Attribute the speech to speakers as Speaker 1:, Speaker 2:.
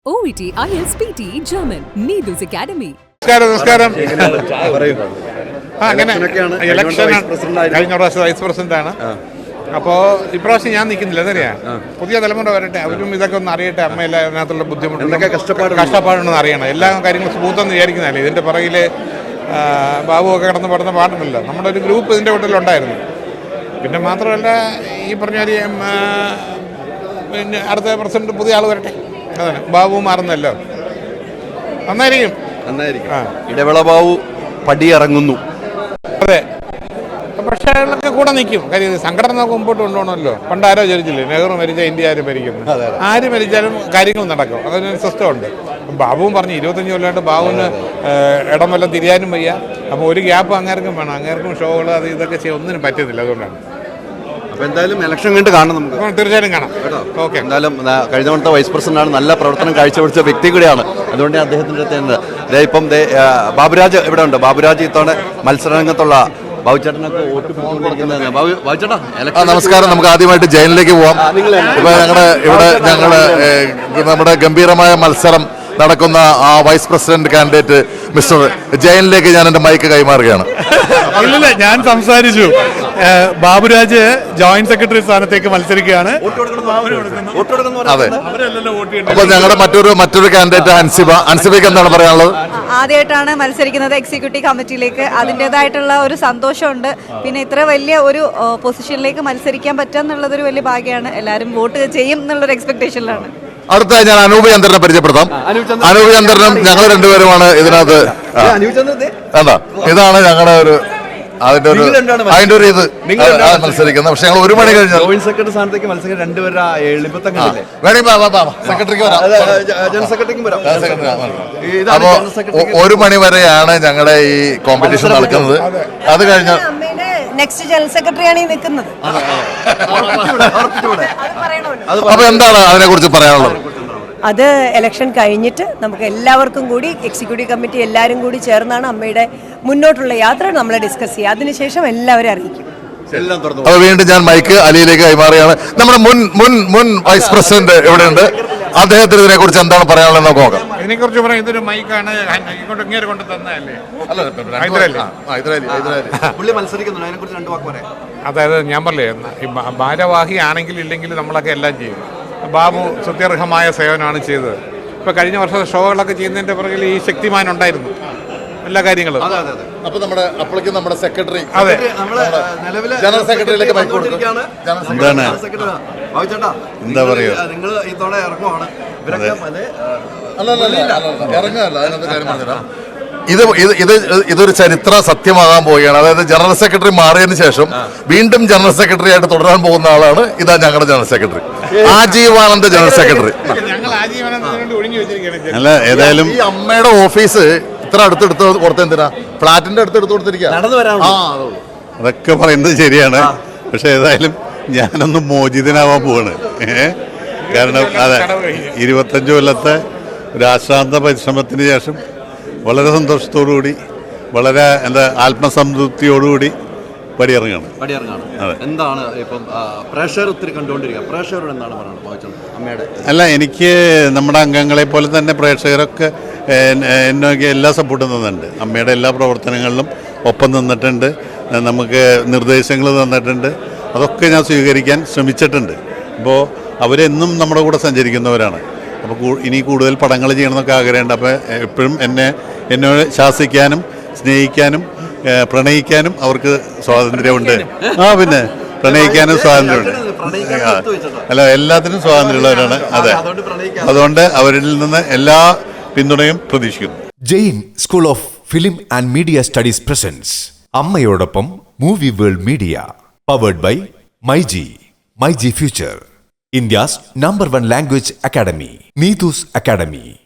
Speaker 1: OET, IELTS, PT, German, Needus Academy.
Speaker 2: നമസ്കാരം. അങ്ങനെ election കഴിഞ്ഞ പ്രാവശ്യം വൈസ് പ്രസിഡന്റാണ്. അപ്പോൾ ഇപ്രാവശ്യം ഞാൻ നിൽക്കുന്നില്ല. എന്നറിയാം, പുതിയ തലമുറ വരട്ടെ, അവരും ഇതൊക്കെ ഒന്ന് അറിയട്ടെ. അമ്മയില്ല അതിനകത്തുള്ള ബുദ്ധിമുട്ട് കഷ്ടപ്പാടുണ്ടെന്ന് അറിയണം. എല്ലാ കാര്യങ്ങളും സ്മൂത്തെന്ന് വിചാരിക്കുന്നതല്ലേ. ഇതിൻ്റെ പുറകിൽ ബാബുവൊക്കെ കിടന്ന് പാടുന്ന പാടുണ്ടല്ലോ. നമ്മുടെ ഒരു ഗ്രൂപ്പ് ഇതിൻ്റെ വീട്ടിലുണ്ടായിരുന്നു. പിന്നെ മാത്രമല്ല, ഈ പറഞ്ഞ പിന്നെ അടുത്ത പ്രസിഡന്റ് പുതിയ ആൾ വരട്ടെ. അതെ, ബാബു മാറുന്നല്ലോ, നന്നായിരിക്കും.
Speaker 3: ഇടവേള ബാബു പടിയിറങ്ങുന്നു.
Speaker 2: അതെ, പക്ഷേ അയാളൊക്കെ കൂടെ നിൽക്കും. കാര്യം സംഘടന മുമ്പോട്ട് കൊണ്ടുപോകണമല്ലോ. പണ്ട് ആരോ ചോദിച്ചില്ലേ, നെഹ്റു മരിച്ചാൽ ഇന്ത്യ ആരും ഭരിക്കുന്നു. ആര് മരിച്ചാലും കാര്യങ്ങൾ നടക്കും. അതിനൊരു സിസ്റ്റം ഉണ്ട്. ബാബുവും പറഞ്ഞു 25 കൊല്ലമായിട്ട് ബാബുവിന് ഇടം വല്ലതും തിരിയാനും വയ്യ. അപ്പോൾ ഒരു ഗ്യാപ്പ് അങ്ങേർക്കും വേണം. അങ്ങേർക്കും ഷോകൾ അത് ഇതൊക്കെ ചെയ്യാൻ ഒന്നിനും പറ്റുന്നില്ല. അതുകൊണ്ടാണ്.
Speaker 3: അപ്പോൾ എന്തായാലും ഇലക്ഷൻ കണ്ട് കാണാം നമുക്ക്.
Speaker 2: തീർച്ചയായിട്ടും കാണാം. ഓക്കെ.
Speaker 3: എന്തായാലും കഴിഞ്ഞ തവണത്തെ വൈസ് പ്രസിഡന്റാണ്, നല്ല പ്രവർത്തനം കാഴ്ചവെച്ച വ്യക്തി കൂടിയാണ്. അതുകൊണ്ട് അദ്ദേഹത്തിൻ്റെ അടുത്ത് ഇപ്പം ബാബുരാജ് ഇവിടെ ഉണ്ട്. ബാബുരാജ് ഇത്തവണ മത്സരരംഗത്തുള്ള ബാബുചേട്ടനൊക്കെ വോട്ട് ബാബുചേട്ടാ.
Speaker 4: നമസ്കാരം. നമുക്ക് ആദ്യമായിട്ട് ജയിലിലേക്ക് പോവാം. ഇപ്പൊ നമ്മുടെ ഗംഭീരമായ മത്സരം നടക്കുന്ന ആ വൈസ് പ്രസിഡന്റ് കാൻഡിഡേറ്റ് മിസ്റ്റർ ജയനിലേക്ക് ഞാൻ എന്റെ മൈക്ക് കൈമാറുകയാണ്.
Speaker 5: ഇല്ല, ഞാൻ സംസാരിച്ചു. ബാബുരാജ് ജോയിന്റ് സെക്രട്ടറി സ്ഥാനത്തേക്ക് മത്സരിക്കുകയാണ്.
Speaker 4: അതെ, അപ്പൊ ഞങ്ങളുടെ മറ്റൊരു കാൻഡിഡേറ്റ് അൻസിബയ്ക്ക് എന്താണ് പറയാനുള്ളത്?
Speaker 6: ആദ്യമായിട്ടാണ് മത്സരിക്കുന്നത് എക്സിക്യൂട്ടീവ് കമ്മിറ്റിയിലേക്ക്. അതിൻ്റെതായിട്ടുള്ള ഒരു സന്തോഷമുണ്ട്. പിന്നെ ഇത്ര വലിയ ഒരു പൊസിഷനിലേക്ക് മത്സരിക്കാൻ പറ്റുക എന്നുള്ളതൊരു വലിയ ഭാഗ്യമാണ്. എല്ലാവരും വോട്ട് ചെയ്യും എന്നുള്ളൊരു എക്സ്പെക്ടേഷനിലാണ്.
Speaker 4: അടുത്തായി ഞാൻ അനൂപ് ചന്ദ്രനെ പരിചയപ്പെടുത്താം. അനൂപ് ചന്ദ്രനും ഞങ്ങൾ രണ്ടുപേരുമാണ് ഇതിനകത്ത്. ഇതാണ് ഞങ്ങളുടെ ഒരു അതിന്റെ ഒരു ഇത് മത്സരിക്കുന്നത്. പക്ഷെ ഞങ്ങൾ 1 മണി കഴിഞ്ഞാൽ
Speaker 3: ജോയിന്റ് സെക്രട്ടറി സ്ഥാനത്തേക്ക് മത്സരിക്കാൻ രണ്ടുപേരുടെ എളുപ്പത്തങ്ങളില്ലേ.
Speaker 4: അപ്പോ 1 മണി വരെയാണ് ഞങ്ങളുടെ ഈ കോമ്പറ്റീഷൻ നടക്കുന്നത്. അത് കഴിഞ്ഞാൽ
Speaker 6: നെക്സ്റ്റ് ജനറൽ സെക്രട്ടറിയാണ് ഈ നിൽക്കുന്നത്.
Speaker 4: അപ്പൊ എന്താണ് അതിനെ കുറിച്ച് പറയാനുള്ളത്?
Speaker 7: അത് ഇലക്ഷൻ കഴിഞ്ഞിട്ട് നമുക്ക് എല്ലാവർക്കും കൂടി എക്സിക്യൂട്ടീവ് കമ്മിറ്റി എല്ലാവരും കൂടി ചേർന്നാണ് അമ്മയുടെ മുന്നോട്ടുള്ള യാത്ര നമ്മൾ ഡിസ്കസ് ചെയ്യുക. അതിനുശേഷം എല്ലാവരും അറിയിക്കും.
Speaker 4: അപ്പൊ വീണ്ടും ഞാൻ മൈക്ക് അലിയിലേക്ക് കൈമാറുകയാണ്. നമ്മുടെ മുൻ വൈസ് പ്രസിഡന്റ് ഇവിടെയുണ്ട്. അദ്ദേഹത്തിന് ഇതിനെ കുറിച്ച് എന്താണ് പറയാനുള്ളത് നമുക്ക് നോക്കാം.
Speaker 2: ഇതിനെക്കുറിച്ച് പറയാം. ഇതൊരു മൈക്കാണ്, ഇങ്ങോട്ട് കൊണ്ട് തന്നതല്ലേ. അതായത് ഞാൻ പറഞ്ഞേ, ഭാരവാഹി ആണെങ്കിൽ ഇല്ലെങ്കിൽ നമ്മളൊക്കെ എല്ലാം ചെയ്യും. ബാബു സുത്യർഹമായ സേവനമാണ് ചെയ്തത്. ഇപ്പൊ കഴിഞ്ഞ വർഷത്തെ ഷോകളൊക്കെ ചെയ്യുന്നതിന്റെ പുറകിൽ ഈ ശക്തിമാൻ ഉണ്ടായിരുന്നു, എല്ലാ കാര്യങ്ങളും.
Speaker 4: അപ്പൊ നമ്മുടെ സെക്രട്ടറി,
Speaker 2: അതെ,
Speaker 4: ജനറൽ സെക്രട്ടറിയിലേക്ക്
Speaker 3: എന്താ പറയുക,
Speaker 4: ഇതൊരു ചരിത്ര സത്യമാകാൻ പോവുകയാണ്. അതായത് ജനറൽ സെക്രട്ടറി മാറിയതിനു ശേഷം വീണ്ടും ജനറൽ സെക്രട്ടറി ആയിട്ട് തുടരാൻ പോകുന്ന ആളാണ് ഇതാ ഞങ്ങളുടെ ജനറൽ സെക്രട്ടറി, ആജീവാനന്ദ ജനറൽ സെക്രട്ടറി.
Speaker 3: അല്ല, ഏതായാലും
Speaker 4: ഈ അമ്മയുടെ ഓഫീസ് ഇത്ര അടുത്തെടുത്ത് കൊടുത്ത എന്തിനാ? ഫ്ലാറ്റിന്റെ അടുത്തെടുത്ത് കൊടുത്തിരിക്കുക.
Speaker 3: അതൊക്കെ പറയുന്നത് ശരിയാണ്. പക്ഷെ ഏതായാലും ഞാനൊന്ന് മോചിതനാവാൻ പോവാണ്. കാരണം അതെ, 25 കൊല്ലത്തെ ഒരു ആശ്രാന്ത പരിശ്രമത്തിന് ശേഷം വളരെ സന്തോഷത്തോടുകൂടി, വളരെ ആത്മസംതൃപ്തിയോടുകൂടി പടിയിറങ്ങാണ്. എന്താണ് ഇപ്പം പ്രഷർ ഒത്തിരി കണ്ടുകൊണ്ടിരിക്കുക, പ്രേക്ഷകരോട് എന്താണ് പറയുന്നത് അമ്മയുടെ? അല്ല, എനിക്ക് നമ്മുടെ അംഗങ്ങളെ പോലെ തന്നെ പ്രേക്ഷകരൊക്കെ എന്നൊക്കെ എല്ലാ സപ്പോർട്ടും തന്നിട്ടുണ്ട്. അമ്മയുടെ എല്ലാ പ്രവർത്തനങ്ങളിലും ഒപ്പം നിന്നിട്ടുണ്ട്. നമുക്ക് നിർദ്ദേശങ്ങൾ തന്നിട്ടുണ്ട്. അതൊക്കെ ഞാൻ സ്വീകരിക്കാൻ ശ്രമിച്ചിട്ടുണ്ട്. അപ്പോൾ അവരെന്നും നമ്മുടെ കൂടെ സഞ്ചരിക്കുന്നവരാണ്. അപ്പോൾ ഇനി കൂടുതൽ പടങ്ങൾ ചെയ്യണമെന്നൊക്കെ ആഗ്രഹമുണ്ട്. അപ്പോൾ എപ്പോഴും എന്നോട് ശാസിക്കാനും സ്നേഹിക്കാനും പ്രണയിക്കാനും അവർക്ക് സ്വാതന്ത്ര്യമുണ്ട്. പിന്നെ പ്രണയിക്കാനും സ്വാതന്ത്ര്യമുണ്ട്. അല്ല, എല്ലാത്തിനും സ്വാതന്ത്ര്യമുള്ളവരാണ്. അതെ, അതുകൊണ്ട് അവരിൽ നിന്ന് എല്ലാ പിന്തുണയും പ്രതീക്ഷിക്കുന്നു.
Speaker 8: Jain school of film and media studies presents അമ്മയോടൊപ്പം movie world media, powered by myG future, India's #1 language academy, Needus Academy.